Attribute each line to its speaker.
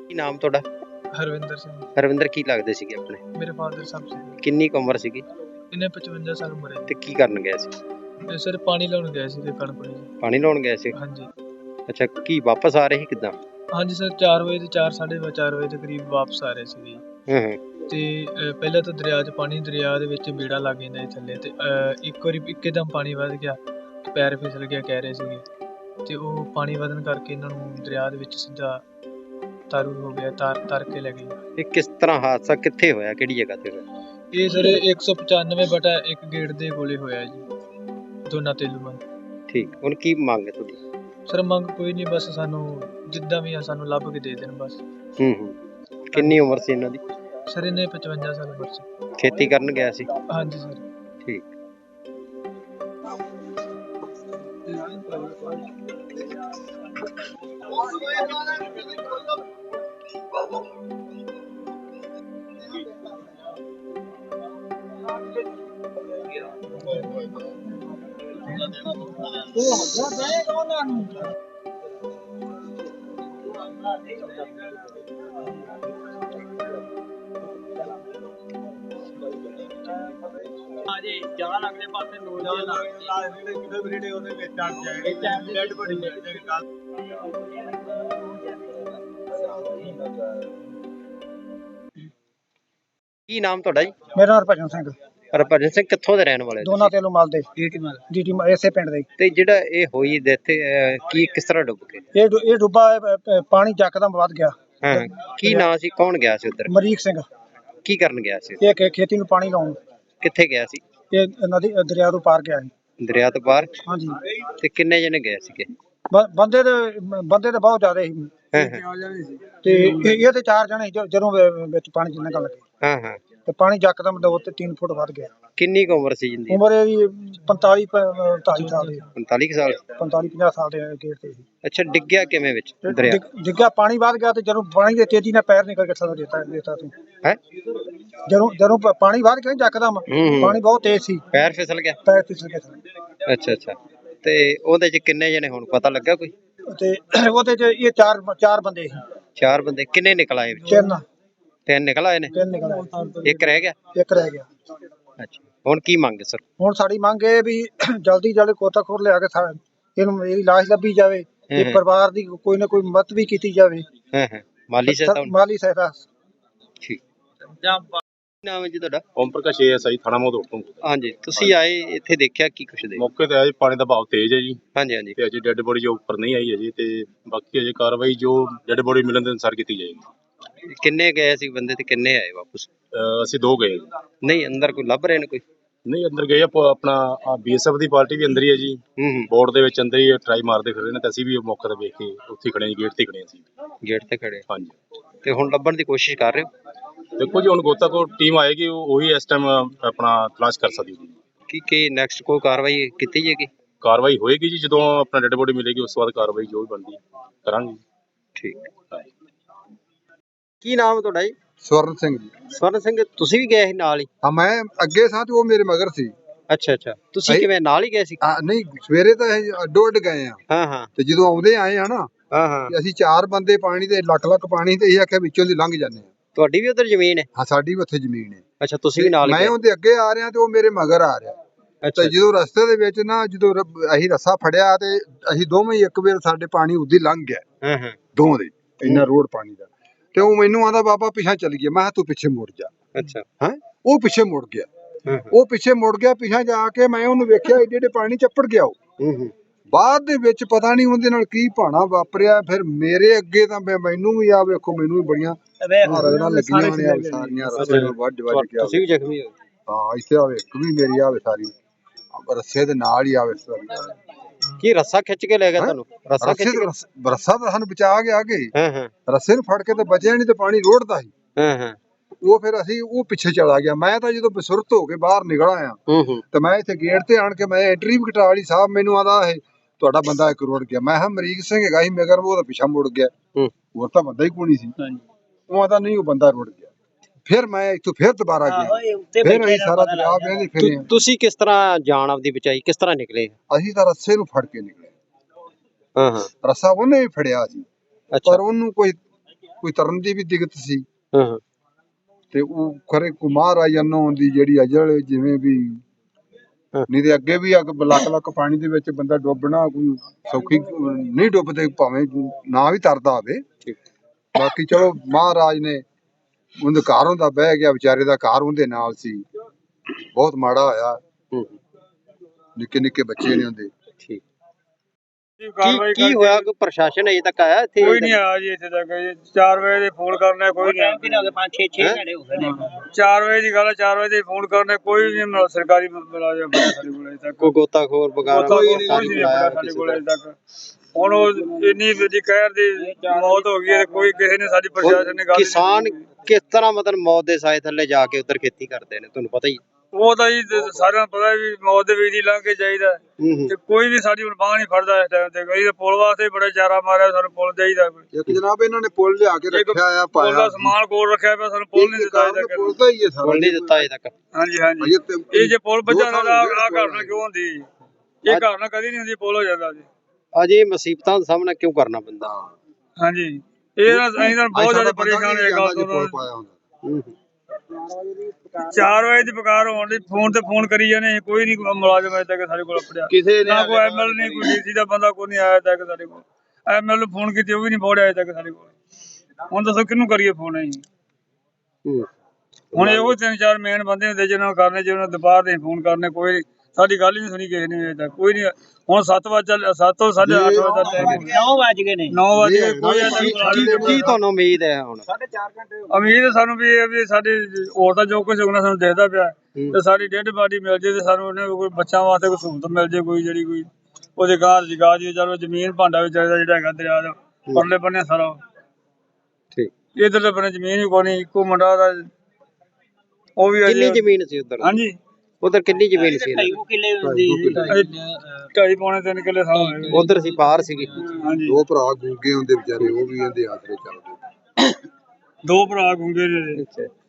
Speaker 1: ਕੀ ਨਾਮ ਤੁਹਾਡਾ?
Speaker 2: ਹਰਵਿੰਦਰ ਸਿੰਘ।
Speaker 1: ਹਰਵਿੰਦਰ ਕੀ ਲੱਗਦੇ ਸੀਗੇ ਆਪਣੇ?
Speaker 2: ਮੇਰੇ ਫਾਦਰ ਸਾਹਿਬ ਸੀ।
Speaker 1: ਕਿੰਨੀ ਕੁ ਉਮਰ ਸੀਗੀ
Speaker 2: ਇਹਨੇ 55 ਸਾਲ ਉਮਰ ਹੈ
Speaker 1: ਤੇ ਕੀ ਕਰਨ ਗਏ ਸੀ?
Speaker 2: ਤੇ ਸਰ ਪਾਣੀ ਲਾਉਣ ਗਏ ਸੀ ਤੇ ਕਣਕ ਨੂੰ ਜੀ।
Speaker 1: ਪਾਣੀ ਲਾਉਣ ਗਏ ਸੀ?
Speaker 2: ਹਾਂਜੀ
Speaker 1: ਅੱਛਾ, ਕੀ ਵਾਪਸ ਆ ਰਹੇ ਸੀ ਕਿੱਦਾਂ?
Speaker 2: ਹਾਂਜੀ ਸਰ 4 ਵਜੇ ਤੇ 4:30 ਵਜੇ ਦੇ ਕਰੀਬ ਵਾਪਸ ਆ ਰਹੇ ਸੀਗੇ ਤੇ ਪਹਿਲਾਂ ਤਾਂ ਦਰਿਆ ਦੇ ਵਿੱਚ ਬੇੜਾ ਲੱਗ ਜਾਂਦਾ ਸੀ ਥੱਲੇ ਤੇ ਇੱਕ ਵਾਰੀ ਇੱਕਦਮ ਪਾਣੀ ਵੱਧ ਗਿਆ, ਪੈਰ ਫਿਸਲ ਗਿਆ ਕਹਿ ਰਹੇ ਸੀਗੇ ਤੇ ਉਹ ਪਾਣੀ ਵਧਣ ਕਰਕੇ ਇਹਨਾਂ ਨੂੰ ਦਰਿਆ ਦੇ ਵਿੱਚ ਸਿੱਧਾ ਤਾਰੂ ਹੋ ਗਿਆ, ਤਰ ਕੇ ਲੈ ਗਏ।
Speaker 1: ਇਹ ਕਿਸ ਤਰ੍ਹਾਂ ਹਾਦਸਾ ਕਿੱਥੇ ਹੋਇਆ, ਕਿਹੜੀ ਜਗ੍ਹਾ ਤੇ ਹੋਇਆ?
Speaker 2: ਇਹ ਸਰ 195/1 ਗੇਟ ਦੇ ਕੋਲੇ ਹੋਇਆ ਜੀ, ਦੋਨਾ ਤੇਲੂਆਂ।
Speaker 1: ਠੀਕ, ਹੁਣ ਕੀ ਮੰਗ ਹੈ ਤੁਹਾਡੀ?
Speaker 2: ਸਰ ਮੰਗ ਕੋਈ ਨਹੀਂ, ਬਸ ਸਾਨੂੰ ਜਿੱਦਾਂ ਵੀ ਆ ਸਾਨੂੰ ਲੱਭ ਕੇ ਦੇ ਦੇਣ ਬਸ।
Speaker 1: ਕਿੰਨੀ ਉਮਰ ਸੀ ਇਹਨਾਂ ਦੀ?
Speaker 2: ਸਰ ਇਹਨੇ 55 ਸਾਲ ਉਮਰ ਸੀ।
Speaker 1: ਖੇਤੀ ਕਰਨ ਗਿਆ ਸੀ?
Speaker 2: ਹਾਂਜੀ ਸਰ।
Speaker 1: ਠੀਕ।
Speaker 2: ਹਾਂਜੀ ਜਾਨ ਅਗਲੇ ਪਾਸੇ ਲੋੜ ਦੇ ਕਿਤੇ ਵੀਡੀਓ ਉਹਦੇ ਵਿੱਚ ਆ ਜਾਏਗੀ ਟਾਈਮ ਡੈਡ ਬੜੀ ਮਿਲ ਜਾਏਗੀ ਕੱਲ।
Speaker 1: ਕੀ ਨਾਮ ਤੁਹਾਡਾ ਜੀ?
Speaker 3: ਮੇਰਾ ਨਾਮ ਹਰਭਜਨ ਸਿੰਘ।
Speaker 1: ਹਰਭਜਨ ਸਿੰਘ ਕਿੱਥੋਂ ਦੇ ਰਹਿਣ ਵਾਲੇ?
Speaker 3: ਦੋਨਾ ਤੇਲੂ ਮਲ ਦੇ ਡੀਟੀ ਇਸੇ ਪਿੰਡ ਦੇ।
Speaker 1: ਤੇ ਜਿਹੜਾ ਇਹ ਹੋਈ ਡੈਥ, ਕੀ ਕਿਸ ਤਰ੍ਹਾਂ ਡੁੱਬ ਗਏ?
Speaker 3: ਇਹ ਡੁੱਬਾ ਪਾਣੀ ਯਕਦਮ ਵੱਧ ਗਿਆ।
Speaker 1: ਹਾਂ, ਕੀ ਨਾਂ ਸੀ, ਕੌਣ ਗਿਆ ਸੀ ਉੱਧਰ?
Speaker 3: ਮਰੀਕ ਸਿੰਘ।
Speaker 1: ਕੀ ਕਰਨ ਗਿਆ ਸੀ?
Speaker 3: ਇਹ ਖੇਤੀ ਨੂੰ ਪਾਣੀ ਲਾਉਣ।
Speaker 1: ਕਿੱਥੇ ਗਿਆ ਸੀ?
Speaker 3: ਇਹ ਨਦੀ ਦਰਿਆ ਤੋਂ ਪਾਰ ਗਿਆ ਸੀ।
Speaker 1: ਦਰਿਆ ਤੋਂ ਪਾਰ?
Speaker 3: ਹਾਂਜੀ।
Speaker 1: ਤੇ ਕਿੰਨੇ ਜਣੇ ਗਏ ਸੀਗੇ?
Speaker 3: ਬੰਦੇ ਤੇ ਬਹੁਤ ਜ਼ਿਆਦਾ ਸੀ ਤੇ ਇਹ ਤੇ 4 ਜਣੇ ਜਦੋਂ ਵਿੱਚ ਪਾਣੀ ਚ ਨਿਕਲ ਗਏ। ਤੇ ਪਾਣੀ ਯਕਦਮ 2 ਤੇ 3 ਫੁੱਟ ਵੱਧ ਗਿਆ।
Speaker 1: ਕਿੰਨੀ ਕੁ ਉਮਰ ਸੀ ਜਿੰਦੀ?
Speaker 3: ਉਮਰ ਇਹਦੀ 45 ਸਾਲ ਦੀ।
Speaker 1: 45 ਸਾਲ?
Speaker 3: 45-50 ਸਾਲ ਦੇ ਗੇੜ ਤੇ ਸੀ।
Speaker 1: ਅੱਛਾ, ਡਿੱਗਿਆ ਕਿਵੇਂ ਵਿੱਚ ਦਰਿਆ?
Speaker 3: ਡਿੱਗਿਆ ਪਾਣੀ ਵੱਧ ਗਿਆ ਤੇ ਜਦੋਂ ਪਾਣੀ ਦੇ ਤੇਜ਼ੀ ਨਾਲ ਪੈਰ ਨਿਕਲ ਕੇ ਥੱਲੇ ਦੇਤਾ ਤੂੰ
Speaker 1: ਹੈ।
Speaker 3: ਜਦੋਂ ਪਾਣੀ ਵੱਧ ਗਿਆ ਯਕਦਮ, ਪਾਣੀ ਬਹੁਤ ਤੇਜ਼ ਸੀ,
Speaker 1: ਪੈਰ ਫਿਸਲ ਗਿਆ?
Speaker 3: ਪੈਰ ਫਿਸਲ ਗਿਆ।
Speaker 1: ਅੱਛਾ। ਤੇ ਉਹਦੇ ਚ ਕਿੰਨੇ ਜਣੇ ਹੁਣ ਪਤਾ ਲੱਗਾ ਕੋਈ?
Speaker 3: ਤੇ ਉਹਦੇ ਚ ਇਹ 4 ਬੰਦੇ ਸੀ।
Speaker 1: 4 ਬੰਦੇ? ਕਿੰਨੇ ਨਿਕਲ ਆਏ? 3 ਨਿਕਲ ਆਏ ਨੇ?
Speaker 3: 3 ਨਿਕਲ ਆਏ।
Speaker 1: ਇੱਕ ਰਹਿ ਗਿਆ?
Speaker 3: ਇੱਕ ਰਹਿ ਗਿਆ।
Speaker 1: ਅੱਛਾ, ਹੁਣ ਕੀ ਮੰਗ ਸਰ?
Speaker 3: ਹੁਣ ਸਾਡੀ ਮੰਗ ਇਹ ਵੀ ਜਲਦੀ ਗੋਤਾਖੋਰ ਲਿਆ ਕੇ ਇਹਨੂੰ ਇਹਦੀ ਲਾਸ਼ ਲੱਭੀ ਜਾਵੇ ਤੇ ਪਰਿਵਾਰ ਦੀ ਕੋਈ ਨਾ ਕੋਈ ਮਦਦ ਵੀ ਕੀਤੀ ਜਾਵੇ।
Speaker 1: ਮਾਲੀ
Speaker 3: ਸਹਾਇਤਾ।
Speaker 1: ਠੀਕ। ਨਾਮ ਹੈ ਜੀ ਤੁਹਾਡਾ?
Speaker 4: ਓਮ ਪ੍ਰਕਾਸ਼ ASI ਥਾਣਾ ਮੋਦੋੜ ਤੋਂ।
Speaker 1: ਹਾਂਜੀ, ਤੁਸੀਂ ਆਏ ਇੱਥੇ ਦੇਖਿਆ ਕੀ ਕੁਛ ਦੇ?
Speaker 4: ਮੌਕੇ ਤੇ ਆਏ, ਪਾਣੀ ਦਾ ਬਹਾਅ ਤੇਜ਼ ਹੈ ਜੀ।
Speaker 1: ਹਾਂਜੀ।
Speaker 4: ਤੇ ਅਜੇ ਡੈੱਡ ਬੋਡੀ ਜੋ ਉੱਪਰ ਨਹੀਂ ਆਈ ਅਜੇ, ਤੇ ਬਾਕੀ ਅਜੇ ਕਾਰਵਾਈ ਜੋ ਡੈੱਡ ਬੋਡੀ ਮਿਲਣ ਦੇ ਅਨੁਸਾਰ ਕੀਤੀ ਜਾਏਗੀ।
Speaker 1: ਕਿੰਨੇ ਗਏ ਸੀ ਬੰਦੇ ਤੇ ਕਿੰਨੇ ਆਏ ਵਾਪਸ?
Speaker 4: ਅਸੀਂ 2 ਗਏ ਜੀ।
Speaker 1: ਨਹੀਂ, ਅੰਦਰ ਕੋਈ ਲੱਭ ਰਹੇ ਨੇ? ਕੋਈ
Speaker 4: ਨਹੀਂ, ਅੰਦਰ ਗਏ ਆਪਣਾ BSF ਦੀ ਪਾਰਟੀ ਵੀ ਅੰਦਰ ਹੀ ਹੈ ਜੀ। ਬੋਰਡ ਦੇ ਵਿੱਚ ਅੰਦਰ ਹੀ ਟਰਾਈ ਮਾਰਦੇ ਫਿਰ ਰਹੇ ਨੇ, ਤੇ ਅਸੀਂ ਵੀ ਮੌਕੇ ਤੇ ਵੇਖ ਕੇ ਉੱਥੇ ਖੜੇ ਜੀ, ਗੇਟ ਤੇ ਖੜੇ ਅਸੀਂ।
Speaker 1: ਗੇਟ ਤੇ ਖੜੇ?
Speaker 4: ਹਾਂਜੀ।
Speaker 1: ਤੇ ਹੁਣ ਲੱਭਣ ਦੀ ਕੋਸ਼ਿਸ਼ ਕਰ ਰਹੇ ਹੋ?
Speaker 4: ਦੇਖੋ ਜੀ, ਹੁਣ ਗੋਤਾਖੋਰ ਟੀਮ ਆਏਗੀ, ਉਹੀ ਇਸ ਟਾਈਮ ਆਪਣਾ ਤਲਾਸ਼ ਕਰ ਸਕਦੀ ਹੈ।
Speaker 1: ਕੀ ਨੈਕਸਟ ਕੋਈ ਕਾਰਵਾਈ ਕੀਤੀ ਜਾਏਗੀ?
Speaker 4: ਕਾਰਵਾਈ ਹੋਏਗੀ ਜੀ, ਜਦੋਂ ਆਪਣਾ ਡੈੱਡ ਬੋਡੀ ਮਿਲੇਗੀ ਉਸ ਤੋਂ ਬਾਅਦ ਕਾਰਵਾਈ ਜੋ ਵੀ ਬਣਦੀ ਕਰਾਂਗੇ। ਠੀਕ।
Speaker 1: ਕੀ ਨਾਮ ਹੈ ਤੁਹਾਡਾ ਜੀ?
Speaker 5: ਸਵਰਨ ਸਿੰਘ ਜੀ।
Speaker 1: ਸਵਰਨ ਸਿੰਘ, ਤੁਸੀਂ ਵੀ ਗਏ ਸੀ ਨਾਲ ਹੀ?
Speaker 5: ਹਾਂ, ਮੈਂ ਅੱਗੇ ਸਾਂ ਤੇ ਉਹ ਮੇਰੇ ਮਗਰ ਸੀ।
Speaker 1: ਅੱਛਾ, ਤੁਸੀਂ ਕਿਵੇਂ ਨਾਲ ਹੀ ਗਏ ਸੀ?
Speaker 5: ਨਹੀਂ, ਸਵੇਰੇ ਤਾਂ ਅਸੀਂ ਅੱਡੋ-ਅੱਡ ਗਏ ਆ। ਤੇ ਜਦੋਂ ਆਉਂਦੇ ਆਏ ਆ ਨਾ, ਅਸੀਂ 4 ਬੰਦੇ ਪਾਣੀ ਤੇ ਲੱਖ ਪਾਣੀ ਤੇ ਇਹ ਆਖਿਆ ਵਿੱਚੋਂ ਦੀ ਲੰਘ ਜਾਂਦੇ ਆ।
Speaker 1: ਤੁਹਾਡੀ ਵੀ ਉਧਰ ਜ਼ਮੀਨ ਹੈ?
Speaker 5: ਹਾਂ, ਸਾਡੀ ਵੀ ਉੱਥੇ ਜ਼ਮੀਨ ਹੈ।
Speaker 1: ਅੱਛਾ, ਤੁਸੀਂ ਵੀ ਨਾਲ?
Speaker 5: ਮੈਂ ਉਹਦੇ ਅੱਗੇ ਆ ਰਿਹਾ ਤੇ ਉਹ ਮੇਰੇ ਮਗਰ ਆ ਰਿਹਾ। ਤੇ ਜਦੋਂ ਰਸਤੇ ਦੇ ਵਿੱਚ ਨਾ ਜਦੋਂ ਅਸੀਂ ਰੱਸਾ ਫੜਿਆ ਤੇ ਅਸੀਂ ਦੋਵੇਂ ਹੀ ਇੱਕ ਵਾਰ ਸਾਡੇ ਪਾਣੀ ਉੱਦੀ ਲੰਘ ਗਿਆ। ਦੋਵਾਂ ਦੇ ਇੰਨਾ ਰੋਡ ਪਾਣੀ ਦਾ। ਤੇ ਉਹ ਮੈਨੂੰ ਆਂਦਾ ਬਾਬਾ ਪਿੱਛਾ ਚੱਲ ਗਿਆ। ਮੈਂ ਕਿਹਾ ਤੂੰ ਪਿੱਛੇ ਮੁੜ ਜਾ।
Speaker 1: ਅੱਛਾ।
Speaker 5: ਉਹ ਪਿੱਛੇ ਮੁੜ ਗਿਆ। ਉਹ ਪਿੱਛੇ ਮੁੜ ਗਿਆ। ਪਿੱਛਾ ਜਾ ਕੇ ਮੈਂ ਉਹਨੂੰ ਵੇਖਿਆ ਏਡੇ ਪਾਣੀ ਚੱਪੜ ਗਿਆ ਉਹ। ਬਾਅਦ ਦੇ ਵਿੱਚ ਪਤਾ ਨਹੀਂ ਉਹਦੇ ਨਾਲ ਕੀ ਭਾਣਾ ਵਾਪਰਿਆ। ਫਿਰ ਮੇਰੇ ਅੱਗੇ ਤਾਂ ਮੈਨੂੰ ਵੀ ਆ ਵੇਖੋ, ਮੈਨੂੰ ਵੀ ਬੜੀਆਂ ਰਗੜਾਂ ਲੱਗੀਆਂ ਨੇ ਸਾਰੀਆਂ, ਰਸੇ ਨਾਲ ਵੱਢ ਗਿਆ।
Speaker 1: ਤੁਸੀਂ ਵੀ ਜ਼ਖਮੀ ਹੋ?
Speaker 5: ਹਾਂ, ਇੱਥੇ ਆਵੇ ਇੱਕ ਵੀ ਮੇਰੀ ਆਵੇ ਸਾਰੀ ਰੱਸੇ ਦੇ ਨਾਲ ਹੀ ਆਵੇ।
Speaker 1: ਕੀ ਰੱਸਾ ਖਿੱਚ ਕੇ ਲੈ ਗਿਆ ਤੁਹਾਨੂੰ?
Speaker 5: ਰੱਸਾ ਤਾਂ ਸਾਨੂੰ ਬਚਾ ਗਿਆ ਅੱਗੇ। ਰੱਸੇ ਨੂੰ ਫੜ ਕੇ ਤਾਂ ਬਚਿਆ ਨਹੀਂ ਤੇ ਪਾਣੀ ਰੋੜਦਾ ਸੀ। ਉਹ ਫਿਰ ਅਸੀਂ ਉਹ ਪਿੱਛੇ ਚਲਾ ਗਿਆ। ਮੈਂ ਤਾਂ ਜਦੋਂ ਬਸੁਰਤ ਹੋ ਕੇ ਬਾਹਰ ਨਿਕਲ ਆਇਆ ਤੇ ਮੈਂ ਇੱਥੇ ਗੇਟ ਤੇ ਆਣ ਕੇ ਮੈਂ ਐਂਟਰੀ ਵੀ ਕਟਾ ਲਈ। ਸਾਹਿਬ ਮੈਨੂੰ ਆਂਦਾ ਇਹ ਤੁਹਾਡਾ ਬੰਦਾ ਇੱਕ ਰੋੜ ਗਿਆ। ਮੈਂ ਕਿਹਾ ਮਰੀਕ ਸਿੰਘ ਹੈਗਾ ਸੀ ਮਗਰ, ਉਹ ਤਾਂ ਪਿੱਛਾ ਮੁੜ ਗਿਆ। ਹੋਰ ਤਾਂ ਬੰਦਾ ਹੀ ਕੋਈ ਸੀ। ਉਹ ਆਂਦਾ ਨਹੀਂ, ਉਹ ਬੰਦਾ ਰੁੜ ਗਿਆ। ਫਿਰ ਮੈਂ ਇੱਥੋਂ ਫਿਰ ਦੁਬਾਰਾ ਗਿਆ। ਫਿਰ ਅਸੀਂ ਸਾਰਾ ਦਰਿਆ ਵੇਖਦੇ ਫਿਰੇ।
Speaker 1: ਤੁਸੀਂ ਕਿਸ ਤਰ੍ਹਾਂ ਜਾਨ ਆਪਦੀ ਬਚਾਈ? ਕਿਸ ਤਰ੍ਹਾਂ ਨਿਕਲੇ?
Speaker 5: ਅਸੀਂ ਤਾਂ ਰੱਸੇ ਨੂੰ ਫੜ ਕੇ ਨਿਕਲੇ। ਰੱਸਾ ਉਹਨੇ ਵੀ ਫੜਿਆ ਸੀ, ਪਰ ਉਹਨੂੰ ਕੋਈ ਕੋਈ ਤਰਨ ਦੀ ਵੀ ਦਿੱਕਤ ਸੀ
Speaker 1: ਹਾਂ
Speaker 5: ਤੇ ਉਹ ਖਰੇ ਕੁਮਾਰ ਆਈ ਅੰਨੋਂ ਦੀ ਜਿਹੜੀ ਅਜਲ ਜਿਵੇਂ ਵੀ ਨਹੀਂ ਤੇ ਅੱਗੇ ਵੀ ਲੱਖ ਲੱਖ ਪਾਣੀ ਦੇ ਵਿੱਚ ਬੰਦਾ ਡੁੱਬਣਾ ਕੋਈ ਸੌਖੀ ਨਹੀਂ ਡੁੱਬਦੇ ਭਾਵੇਂ ਨਾ ਵੀ ਤਰਦਾ ਹੋਵੇ। ਬਾਕੀ ਚਲੋ ਮਹਾਰਾਜ ਨੇ ਉਹਦੇ ਘਰ ਹੁੰਦਾ ਬਹਿ ਗਿਆ ਵਿਚਾਰੇ ਦਾ ਘਰ ਉਹਦੇ ਨਾਲ ਸੀ ਬਹੁਤ ਮਾੜਾ ਹੋਇਆ ਨਿੱਕੇ ਨਿੱਕੇ ਬੱਚੇ ਨੇ ਉਹਦੇ।
Speaker 1: ਠੀਕ ਕੀ ਹੋਇਆ ਕੋਈ ਪ੍ਰਸ਼ਾਸਨ ਅਜੇ ਤੱਕ ਆਇਆ ਇੱਥੇ?
Speaker 6: ਕੋਈ ਨਹੀਂ ਆਇਆ ਜੀ ਇੱਥੇ ਤੱਕ 4 ਵਜੇ ਦੇ ਫੋਨ ਕਰਨਾ ਕੋਈ ਨਹੀਂ ਆਇਆ।
Speaker 1: 5-6 ਘੰਟੇ ਹੋ ਗਏ
Speaker 6: 4 ਵਜੇ ਦੀ ਗੱਲ ਹੈ 4 ਵਜੇ ਦੇ ਫੋਨ ਕਰਨੇ ਕੋਈ ਨਹੀਂ ਸਰਕਾਰੀ ਮੁਲਾਜ਼ਮ ਸਾਡੇ ਕੋਲ ਅਜੇ ਤੱਕ
Speaker 1: ਕੋਈ ਗੋਤਾਖੋਰ ਵਗੈਰਾ
Speaker 6: ਕੋਈ ਨਹੀਂ ਆਇਆ ਸਾਡੇ ਕੋਲ ਅਜੇ ਤੱਕ। ਹੁਣ ਉਹ ਇੰਨੀ ਵੱਡੀ ਕਹਿਰ ਦੀ ਮੌਤ ਹੋ ਗਈ ਹੈ ਕੋਈ ਕਿਸੇ ਨੇ ਸਾਡੀ ਪ੍ਰਸ਼ਾਸਨ ਨੇ ਗੱਲ
Speaker 1: ਕਿਸਾਨ ਕਿਸ ਤਰ੍ਹਾਂ ਮਤਲਬ ਮੌਤ ਦੇ ਸਾਏ ਥੱਲੇ ਜਾ ਕੇ ਉੱਧਰ ਖੇਤੀ ਕਰਦੇ ਨੇ ਤੁਹਾਨੂੰ ਪਤਾ ਹੀ?
Speaker 6: ਉਹ ਤਾਂ ਜੀ ਸਾਰਿਆਂ ਨੂੰ ਪਤਾ ਵੀ ਮੌਤ ਦੇ ਵਿੱਚ ਹੀ ਲੰਘ ਕੇ ਜਾਈਦਾ ਤੇ ਕੋਈ ਵੀ ਸਾਡੀ ਹੁਣ ਬਾਂਹ ਨਹੀਂ ਫੜਦਾ ਇਸ ਟਾਈਮ ਤੇ। ਕੋਈ ਤਾਂ ਪੁਲ ਵਾਸਤੇ ਬੜਾ ਚਾਰਾ ਮਾਰਿਆ ਸਾਨੂੰ ਪੁਲ ਚਾਹੀਦਾ ਕੋਈ।
Speaker 5: ਇੱਕ ਜਨਾਬ ਇਹਨਾਂ ਨੇ ਪੁੱਲ ਲਿਆ ਕੇ ਰੱਖਿਆ ਆ
Speaker 6: ਪੁਲ ਦਾ ਸਮਾਨ ਕੋਲ ਰੱਖਿਆ ਪਿਆ ਸਾਨੂੰ ਪੁਲ ਨਹੀਂ ਦਿੱਤਾ ਅਜੇ ਤੱਕ।
Speaker 5: ਪੁੱਲ ਤਾਂ ਹੀ ਹੈ ਸਾਰਾ
Speaker 1: ਪੁੱਲ ਨਹੀਂ ਦਿੱਤਾ ਅਜੇ ਤੱਕ।
Speaker 6: ਹਾਂਜੀ ਹਾਂਜੀ ਇਹ ਜੇ ਪੁਲ ਬੱਜਾ ਨਾ ਆ ਘਰ ਨਾਲ ਕਿਉਂ ਹੁੰਦੀ ਇਹ ਘਰ ਨਾਲ ਕਦੀ ਨਹੀਂ ਹੁੰਦੀ ਪੁਲ ਹੋ ਜਾਂਦਾ ਜੀ।
Speaker 1: ਅਜੇ ਮੁਸੀਬਤਾਂ ਦਾ ਸਾਹਮਣਾ ਕਿਉਂ ਕਰਨਾ ਪੈਂਦਾ?
Speaker 6: ਹਾਂਜੀ ਇਹ ਅਸੀਂ ਤਾਂ ਬਹੁਤ ਜ਼ਿਆਦਾ ਪਰੇਸ਼ਾਨ ਹੋਏ ਗੱਲ ਤੋਂ। 4 ਵਜੇ ਦੀ ਪੁਕਾਰ ਹੋਣ ਦੀ ਫੋਨ ਤੇ ਫੋਨ ਕਰੀ ਜਾਂਦੇ ਕੋਈ ਨਹੀਂ ਮੁਲਾਜ਼ਮ ਅਜੇ ਤੱਕ ਸਾਡੇ ਕੋਲ ਆਪੜਿਆ ਕਿਸੇ ਨੇ ਨਾ ਕੋਈ ਐਮਐਲ ਨਹੀਂ ਕੋਈ ਡੀਸੀ ਦਾ ਬੰਦਾ ਕੋਈ ਨਹੀਂ ਆਇਆ ਤੱਕ ਸਾਡੇ ਕੋਲ। ਐਮਐਲ ਨੂੰ ਫੋਨ ਕੀਤੀ ਉਹ ਵੀ ਨਹੀਂ ਪਹੁੰਚਿਆ ਅਜੇ ਤੱਕ ਸਾਡੇ ਕੋਲ। ਹੁਣ ਦੱਸੋ ਕਿਹਨੂੰ ਕਰੀਏ ਫੋਨ ਅਸੀਂ? ਹੁਣ ਇਹੋ 3-4 ਮੇਨ ਬੰਦੇ ਹੁੰਦੇ ਜਿਹਨਾਂ ਨੂੰ ਕਰਨੇ ਜਿਹਨਾਂ ਨੂੰ ਦੁਪਹਿਰ ਦੇ ਫੋਨ ਕਰਨੇ ਕੋਈ ਸਾਡੀ ਗੱਲ ਹੀ ਨਹੀਂ ਸੁਣੀ ਕਿਸੇ ਨੇ ਅਜੇ ਤੱਕ ਕੋਈ ਨਹੀਂ। ਹੁਣ 7 ਵਜੇ 7 ਤੋਂ 8:30 ਵਜੇ ਦਾ ਟਾਈਮ
Speaker 2: 9 ਵਜ ਗਏ ਨੇ
Speaker 6: 9 ਵਜੇ ਕੋਈ
Speaker 1: ਕੀ ਤੁਹਾਨੂੰ ਉਮੀਦ ਹੈ ਹੁਣ?
Speaker 6: ਉਮੀਦ ਸਾਨੂੰ ਵੀ ਇਹ ਵੀ ਸਾਡੀ ਹੋਰ ਤਾਂ ਜੋ ਕੁਝ ਹੋਣਾ ਸਾਨੂੰ ਦੇਖਦਾ ਪਿਆ ਤੇ ਸਾਡੀ ਡੈਡ ਬਾਡੀ ਮਿਲ ਜੇ ਤੇ ਸਾਨੂੰ ਉਹਨੇ ਕੋਈ ਬੱਚਿਆਂ ਵਾਸਤੇ ਕੋਈ ਸਹੂਲਤ ਮਿਲ ਜੇ ਕੋਈ ਜਿਹੜੀ ਕੋਈ ਉਹਦੇ ਗਾਂ ਜਗਾ ਜੀ ਚਲੋ ਜ਼ਮੀਨ ਭਾਂਡਾ ਵੀ ਚਾਹੀਦਾ ਜਿਹੜਾ ਹੈਗਾ ਦਰਿਆ ਦਾ ਪਰਲੇ ਬੰਨੇ ਸਾਰਾ।
Speaker 1: ਠੀਕ
Speaker 6: ਇਧਰਲੇ ਬੰਨੇ ਜ਼ਮੀਨ ਵੀ ਕੋਈ ਨਹੀਂ ਇੱਕੋ ਮੁੰਡਾ ਦਾ ਉਹ ਵੀ
Speaker 1: ਕਿੰਨੀ ਜ਼ਮੀਨ ਸੀ ਉੱਧਰ?
Speaker 6: ਹਾਂਜੀ
Speaker 1: ਉਧਰ ਕਿੰਨੀ ਜ਼ਮੀਨ ਸੀ?
Speaker 2: 2.5 ਕਿੱਲੇ ਹੁੰਦੀ
Speaker 6: 2.5-3 ਕਿੱਲੇ ਸਾਹ
Speaker 1: ਉਧਰ ਸੀ ਪਾਰ ਸੀਗੀ।
Speaker 6: ਹਾਂਜੀ
Speaker 5: 2 ਭਰਾ ਗੂੰਗੇ ਹੁੰਦੇ ਵਿਚਾਰੇ ਉਹ ਵੀ ਇਹਦੇ ਆਸਰੇ ਚੱਲਦੇ।
Speaker 6: 2 ਭਰਾ ਗੁੰਗੇ ਨੇ।
Speaker 1: ਅੱਛਾ